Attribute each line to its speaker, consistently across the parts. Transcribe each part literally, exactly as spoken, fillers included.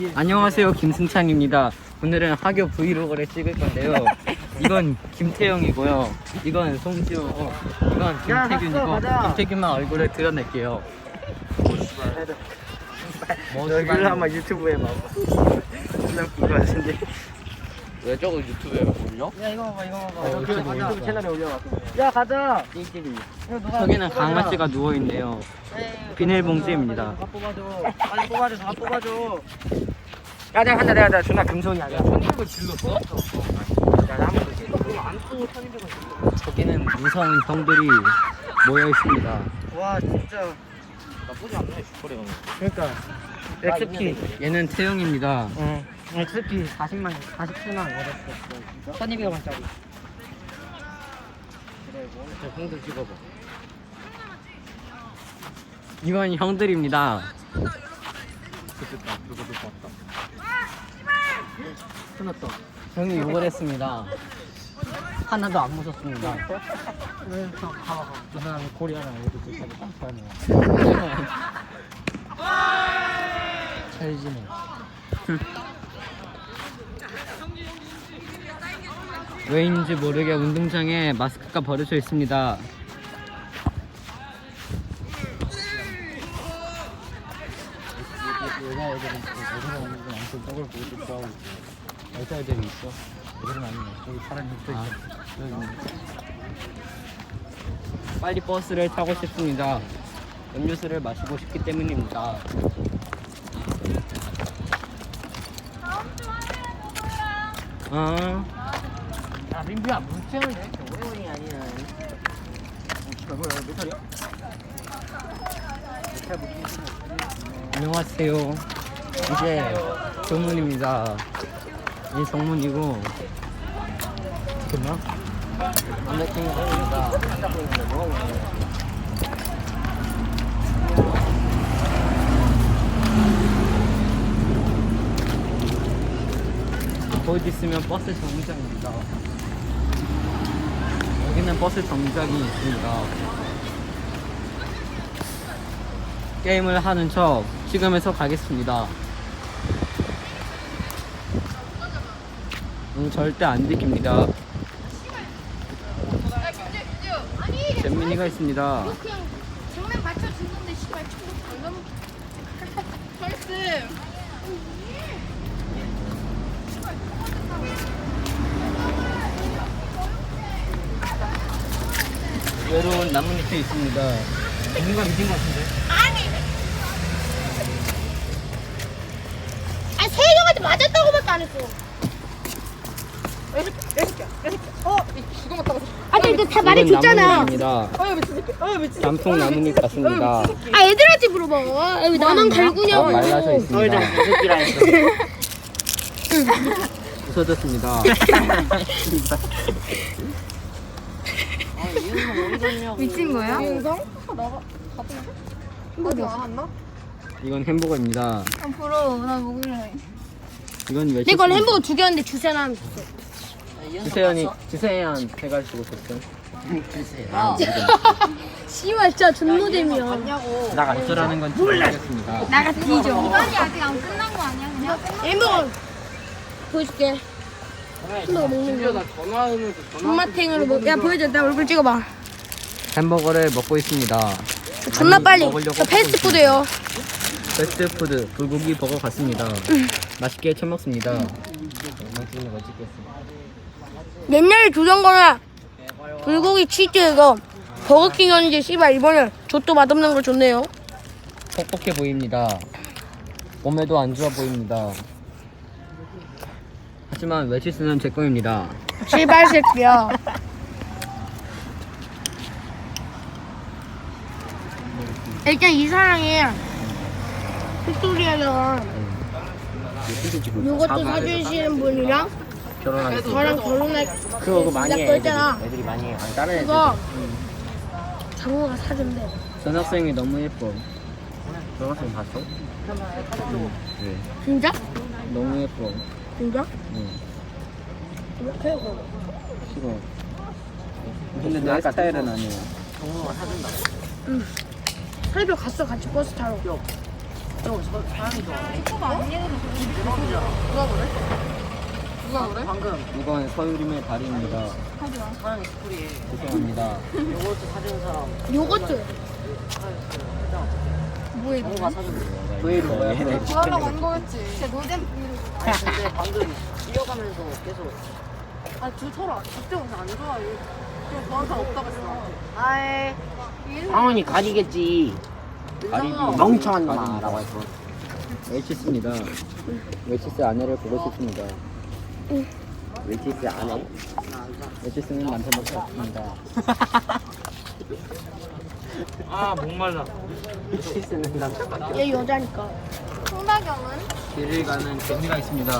Speaker 1: 안녕하세요, 김승창입니다. 오늘은 학교 브이로그를 찍을 건데요. 이건 김태형이고요. 이건 송지호고, 이건 김태균이고, 김태균만 얼굴을 드러낼게요. 뭐
Speaker 2: 여기를 한번 유튜브에 막 그거 같은데.
Speaker 1: 왜 저거 유튜브에 올려?
Speaker 2: 야 이거 봐봐 이거 봐봐.
Speaker 1: 어,
Speaker 2: 유튜브,
Speaker 1: 유튜브
Speaker 2: 유튜브 채널에 올려놔. 야 가자.
Speaker 1: 띠끼리. 저기는 강아지가 누워있네요. 비닐봉지입니다.
Speaker 2: 다 뽑아줘. 빨리 뽑아줘. 다 뽑아줘. 야 내가 한다 내가 내가 존나 금손이야. 내가 천이백 원 질렀어? 야 나 한번 안 쓰고 천이백 원 질렀어.
Speaker 1: 저기는 무서운 형들이 모여 있습니다.
Speaker 2: 와 진짜
Speaker 1: 나쁘지 않네, 슈퍼레어.
Speaker 2: 그러니까 엑스피.
Speaker 1: 얘는 태형입니다.
Speaker 2: 응. 엑스피 사십만 사십칠만 원 얻었어. 천이백 원짜리. 그래 뭐.
Speaker 1: 저 형들 찍어봐. 이건 형들입니다. 좋겠다. 그거도 봤다.
Speaker 2: 끝났다.
Speaker 1: 형이 욕을 했습니다. 하나도 안 무섭습니다.
Speaker 2: 왜? 가봐 가. 저 사람이 코리아랑 애들 되게 깜짝이야.
Speaker 1: 찰지네. 왜인지 모르게 운동장에 마스크가 버려져 있습니다.
Speaker 2: 여자애들은 여자가 오는 건 엄청 떡을 보고 싶어하고 여자애들이 있어. 애들은 아니야. 저기 사람이 있어.
Speaker 1: 아.
Speaker 2: 여기 있네.
Speaker 1: 빨리 버스를 타고 싶습니다. 음료수를 마시고 싶기 때문입니다. 어,
Speaker 2: 야 민규야 물병을 이렇게 오래 걸리는 게 아니야. 어, 뭐야 몇 살이야? 몇 살?
Speaker 1: 안녕하세요. 이제 조문입니다. 이 정문이고, 됐나? 남자친구입니다. 거기 있으면 버스 정류장입니다. 여기는 버스 정류장이 있습니다. 게임을 하는 척 찍으면서 가겠습니다. 음, 절대 안 들킵니다. 잼민이가 있습니다.
Speaker 3: 그냥 장난 받쳐주는데 씨발 친구 방금 헐스
Speaker 1: 외로운 나뭇잎이 있습니다.
Speaker 2: 누가 믿은 것 같은데?
Speaker 3: 아니 아니 세경한테 맞았다고밖에 안 했어.
Speaker 2: 여섯 개, 여섯 개, 여섯 개. 어, 이거 맞다고.
Speaker 3: 아니 이거 다
Speaker 1: 이건
Speaker 3: 말해줬잖아.
Speaker 1: 나뭇잎입니다.
Speaker 2: 아유 미친 새끼. 아유 미친 새끼.
Speaker 1: 단풍 나뭇잎 같습니다.
Speaker 3: 아 애들한테 물어봐. 아, 왜 나만 갈구냐고.
Speaker 1: 어, 말라져
Speaker 2: 어이
Speaker 1: 있습니다.
Speaker 2: 저 새끼라 했어.
Speaker 1: 부서졌습니다.
Speaker 3: 미친 거야?
Speaker 2: 영상?
Speaker 3: 어디?
Speaker 1: 이건 햄버거입니다.
Speaker 3: 앞으로 나 먹을래.
Speaker 1: 이건 왜?
Speaker 3: 내 건 햄버거 두 개였는데 주세나 하면 줬어.
Speaker 1: 주세현이 주세현 해가지고 줬어.
Speaker 3: 아. 씨발 진짜 존노잼이야.
Speaker 1: 나가 어쩌라는 건지 모르겠습니다.
Speaker 3: 나가 뒤져. 이번이 아직 안 끝난 거 아니야 그냥? 햄버거 보여줄게. 햄버거 먹는 거.
Speaker 1: 전화하면서
Speaker 3: 존맛탱으로 먹. 야 보여줘. 내 얼굴 찍어봐.
Speaker 1: 햄버거를 먹고 있습니다.
Speaker 3: 존나
Speaker 1: 아니,
Speaker 3: 빨리.
Speaker 1: 먹으려고
Speaker 3: 저 패스트푸드예요.
Speaker 1: 패스트푸드 불고기 버거 같습니다. 맛있게 처먹습니다.
Speaker 3: 옛날에 주던 거는 불고기 치즈 이거 버거킹이었는데 씨발 이번에 족도 맛없는 걸 줬네요.
Speaker 1: 퍽퍽해 보입니다. 몸에도 안 좋아 보입니다. 하지만 외치스는 제 거입니다.
Speaker 3: 씨발 새끼야. 일단 이 사랑이 빅토리아가 이것도 사주시는 분이랑
Speaker 1: 결혼하겠습니다.
Speaker 3: 저랑 결혼할
Speaker 2: 그거 그거 많이 해.
Speaker 3: 시작도
Speaker 2: 애들이,
Speaker 3: 했잖아.
Speaker 2: 애들이 많이 해. 아니 다른 애들.
Speaker 3: 그거 장모가 사준대.
Speaker 1: 전학생이 너무 예뻐. 전학생 봤어? 응. 네.
Speaker 3: 진짜?
Speaker 1: 너무 예뻐.
Speaker 3: 진짜?
Speaker 1: 응.
Speaker 3: 이렇게 해서.
Speaker 1: 싫어. 근데 내 스타일은 아니야.
Speaker 3: 응. 설교 갔어 같이 버스 타러.
Speaker 2: 저 사람이 좋아해.
Speaker 3: 친구가 아니에요. 누가 그래? 누가 그래?
Speaker 2: 방금
Speaker 1: 이건 서유림의 다리입니다.
Speaker 3: 하지 마.
Speaker 2: 사랑이 스토리에
Speaker 1: 죄송합니다.
Speaker 2: 요거트 사준 사람.
Speaker 3: 요거트. 뭐야 이거?
Speaker 2: 정우가 사준 거.
Speaker 1: 브이로 뭐야?
Speaker 3: 구하려고 한 거였지. 진짜 노잼 브이로그.
Speaker 2: 아니 근데 방금 뛰어가면서 계속
Speaker 3: 아, 저 서로 그때 오늘 안 좋아해. 그냥 저한테 없다고 했어. 나한테.
Speaker 2: 아이 상원이 가지겠지.
Speaker 1: 가리비.
Speaker 2: 멍청한 놈아라고 했어.
Speaker 1: 웰치스입니다. 웰치스 아내를 보고 싶습니다.
Speaker 2: 웰치스 아내?
Speaker 1: 웰치스는 남편밖에 없습니다.
Speaker 2: 아 목말라. 웰치스는 남자밖에.
Speaker 3: 얘 여자니까. 송다경은?
Speaker 1: 길을 가는 개미가 있습니다.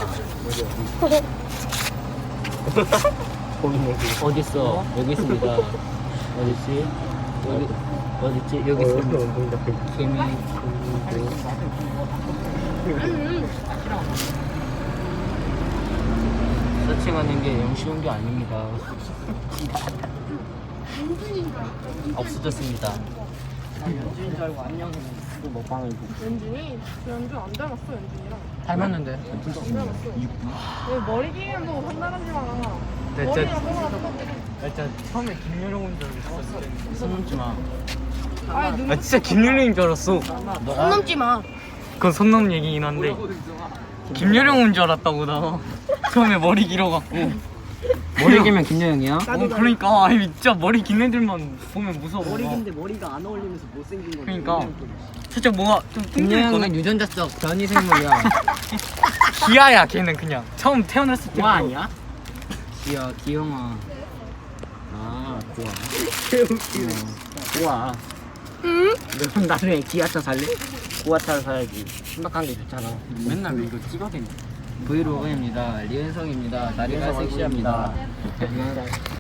Speaker 1: 어디 있어? 여기 있습니다. 어디 있지? 여기 어디 있지? 여기 있습니다. 개미. 서칭하는 게 영 쉬운 게 아닙니다. 없어졌습니다.
Speaker 2: 연주인 줄 알고 안녕.
Speaker 1: 또 먹방을 보고.
Speaker 3: 연준이? 연준 안 닮았어, 연준이랑.
Speaker 2: 닮았는데.
Speaker 3: 안 닮았어. 왜 머리 길이도 상당하지 마.
Speaker 2: 네,
Speaker 3: 머리랑 뭐가 똑같아.
Speaker 2: 일단 처음에 김유령인 줄 알았어.
Speaker 1: 손 넘지 마.
Speaker 3: 아니, 눈
Speaker 4: 나 진짜 김유령인 줄 알았어.
Speaker 3: 손 넘지 마.
Speaker 4: 그건 손 넘는 얘기긴 한데 김유령인 줄 알았다고 나. 처음에 머리 길어갖고.
Speaker 1: 머리 길면 김여영이야?
Speaker 4: 어, 그러니까 아니 진짜 머리 긴 애들만 보면 무서워.
Speaker 2: 머리 긴데 머리가 안 어울리면서 못생긴 거지.
Speaker 4: 그러니까 살짝 뭐가 좀
Speaker 1: 김여영은
Speaker 4: 뚱뚱했거든.
Speaker 1: 유전자적 변이 생물이야.
Speaker 4: 기아야 걔는 그냥 처음 태어났을 때.
Speaker 2: 뭐 아니야?
Speaker 1: 기야, 기영아. 아, 좋아.
Speaker 2: 좋아.
Speaker 3: 응?
Speaker 2: 너 나중에 기아차 살래? 구아차를 사야지. 신박한 게 좋잖아.
Speaker 4: 맨날 왜 이거 찍어대냐.
Speaker 1: 브이로그입니다. 리은성입니다. 다리가 섹시합니다.